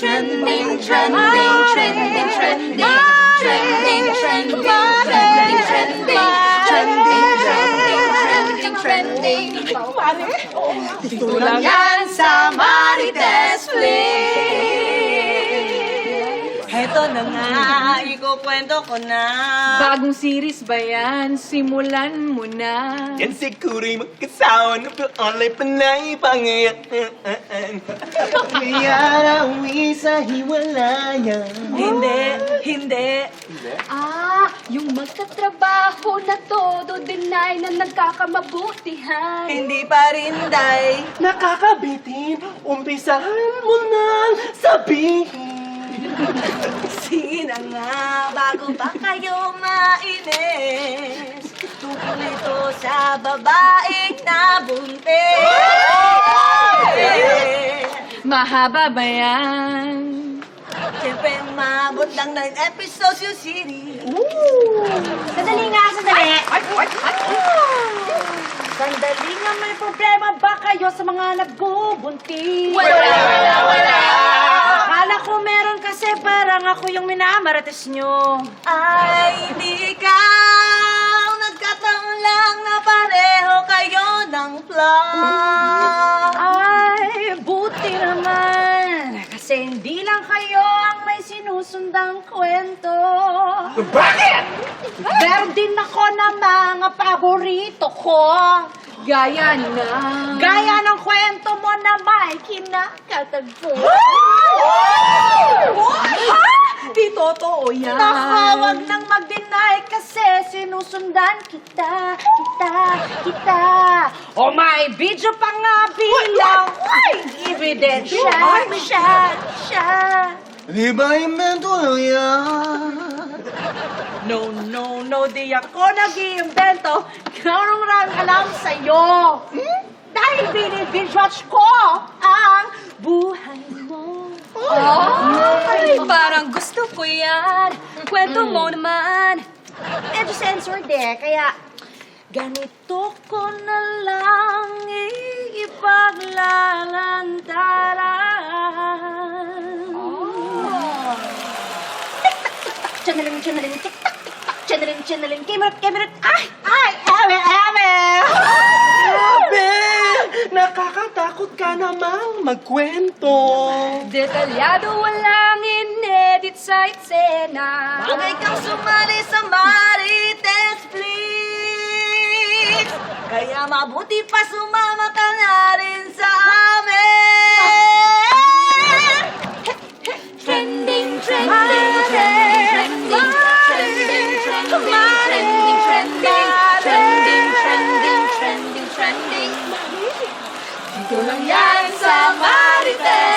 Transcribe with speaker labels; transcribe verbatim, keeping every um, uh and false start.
Speaker 1: trending, trending, trending, trending, trending, trending, trending, trending, trending, trending, trending. Dito lang yan sa Marites Flix.
Speaker 2: Heto na nga, ikukwento ko na.
Speaker 3: Bagong series ba yan? Simulan mo na.
Speaker 4: Yan siguro'y magkasawa na online pa na ipangayaan. Kaya nauwi sa hiwalayan.
Speaker 2: Hindi, hindi.
Speaker 1: Ah, yung magtatrabaho na todo deny na nagkakamabutihan.
Speaker 2: Hindi pa rin, Day.
Speaker 4: Nakakabitin, umpisahan mo nang sabihin.
Speaker 2: Sige na nga, bago pa kayo mainis. Tungkol ito sa babaeng nabuntis.
Speaker 3: Mahaba ba yan?
Speaker 2: Siyempre, maabot lang nine episodes yung series.
Speaker 5: Sandali nga, sandali. Sandali nga, may problema ba kayo sa mga nagbubuntis?
Speaker 1: Wala, wala, wala.
Speaker 5: Akala ko meron kasi parang ako yung minamarates nyo.
Speaker 2: Ay, di ikaw. Nagkataon lang na pareho kayo ng plot.
Speaker 5: Ay, buti naman. Kasi hindi lang kayo ang may sinusundang kwento.
Speaker 4: Bakit?
Speaker 5: Meron din ako na mga paborito ko.
Speaker 3: Gaya na.
Speaker 5: Gaya ng kwento mo na may kinakatagpo.
Speaker 3: Di totoo yan.
Speaker 5: Nakawag nang mag-deny kasi sinusundan kita, kita, kita. O may video pa nga bilang ebidensya siya, siya.
Speaker 4: Di ba invento lang yan?
Speaker 5: No, no, no, di ako nag-iimbento. Karong lang alam sa'yo. Hmm? Dahil binibidwatch ko ang buhay mo.
Speaker 1: Ay, parang gusto ko yan. Kwento mo naman.
Speaker 5: Medyo censored eh, kaya ganito ko na lang ipaglalantaran. Oh. Channeling, channeling, tik-tak, tik-tak, channeling, channeling, kimerat, kimerat, ay, ay, eme, eme!
Speaker 4: Grabe! Nakakatakot ka namang magkwento.
Speaker 1: Detalyado, walang inedit sa eksena.
Speaker 2: Bagay kang sumali sa Marites Flix. Kaya mabuti pa sumama ka na rin sa amin.
Speaker 1: Trending, trending, trending, trending, trending, trending, trending, trending, trending, trending, trending. Dito lang yan sa Marites.